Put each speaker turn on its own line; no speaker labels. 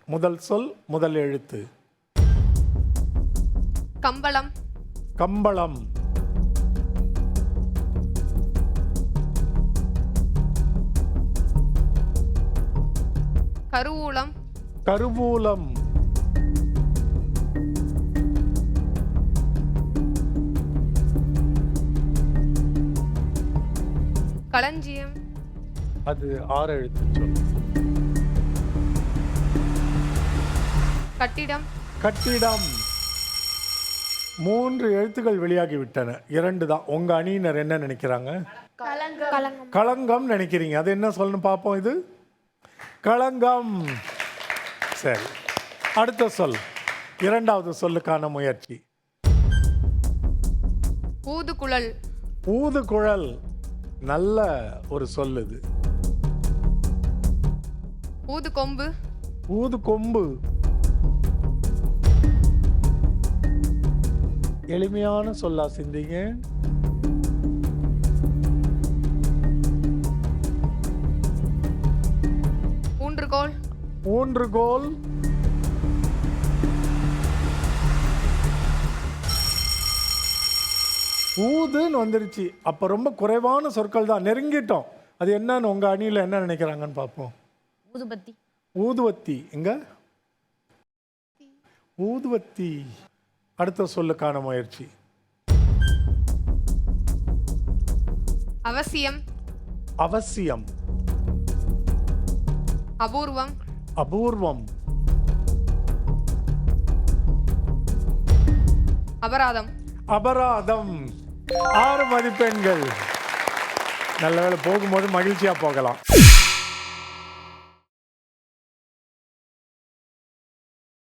முதல் சொல் முதல் எழுத்து.
கம்பளம்.
கம்பளம்.
கருவூலம்.
கருவூலம்.
களஞ்சியம்.
அது 6 எழுத்து சொல்.
கட்டிடம்.
கட்டிடம். 3 எழுத்துக்கள் வெளியாகிவிட்டன. 2 தான். உங்க அணியினர் என்ன நினைக்கிறாங்க? களங்கம் நினைக்கிறீங்க. அது என்ன சொல்லணும் பார்ப்போம். இது களங்கம். சரி, அடுத்த சொல். 2வது சொல்லுக்கான முயற்சி.
ஊதுகுழல்.
ஊதுகுழல். நல்ல ஒரு சொல் இது.
ஊதுகொம்பு.
ஊதுகொம்பு. எளிமையான சொல்லா சிந்திங்க.
ஊன்றுகோல்.
ஊன்றுகோல். ஊதுன்னு வந்துருச்சு. அப்ப ரொம்ப குறைவான சொற்கள் தான். நெருங்கிட்டோம். அது என்னன்னு உங்க அணியில என்ன நினைக்கிறாங்கன்னு பார்ப்போம்.
ஊதுபத்தி.
ஊதுவத்தி. எங்க ஊதுவத்தி. அடுத்த சொல்லுக்கான முயற்சி.
அவசியம்.
அவசியம்.
அபூர்வம்.
அபூர்வம்.
அபராதம்.
அபராதம். 6 மதிப்பெண்கள். நல்ல வேளை, போகும்போது மகிழ்ச்சியா போகலாம்.